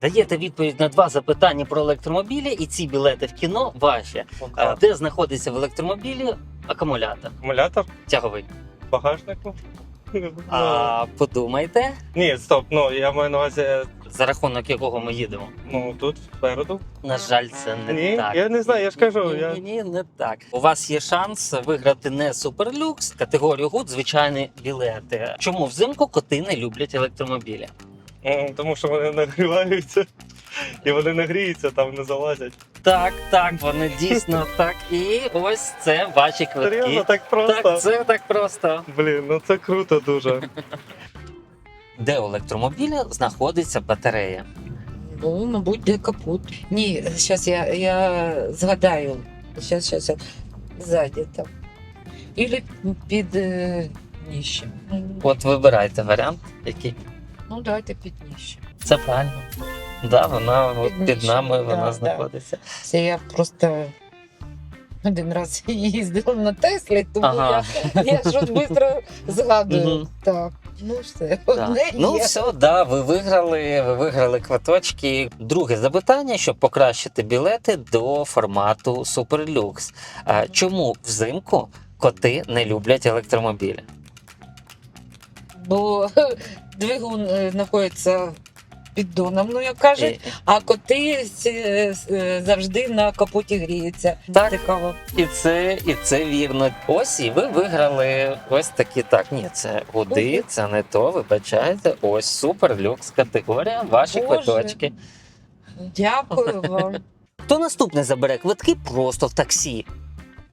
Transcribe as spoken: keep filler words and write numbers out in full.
Даєте відповідь на два запитання про електромобілі, і ці білети в кіно ваші. А, де знаходиться в електромобілі акумулятор? Акумулятор Тяговий. в багажнику. А подумайте, Ні, стоп, ну я маю на увазі, за рахунок якого ми їдемо. ну тут спереду. На жаль, це не Ні, так. я не знаю, я ж кажу, Ні, я- ні, ні, не так. У вас є шанс виграти не суперлюкс, категорію гуд, звичайні білети. Чому взимку коти не люблять електромобілі? М, Тому що вони нагріваються. І вони не гріються, там не залазять. Так, так, вони дійсно так. І ось це ваші Серйозно, квитки. так просто. Так, це так просто. Блін, ну це круто дуже. Де у електромобіля знаходиться батарея? Ну, мабуть, де капут. Ні, зараз я, я згадаю. Зараз, зараз, ззаді там. Ілі під е, дніщем. От вибирайте варіант, який. Ну, давайте під дніщем. Це правильно. Да, вона от Під під нижчим, нами вона да, знаходиться. Це я просто один раз їздила на Теслі, тому Ага. я, я щось швидко згадую. Мгм. Так, ну все, Так. одне Ну є. все, да, ви виграли, ви виграли квиточки. Друге запитання, щоб покращити білети до формату Super-Lux. А чому взимку коти не люблять електромобілі? Бо двигун е, знаходиться під доном, ну як кажуть, І, а коти е, е, завжди на капоті гріються. Так. Цікаво. і це, і це вірно. Ось і ви виграли ось такі. Так, ні, це гуди, Мгм. це не то, вибачайте. Ось Super-Lux категорія, ваші Боже. квиточки. Дякую вам. Хто наступний забере квитки просто в таксі?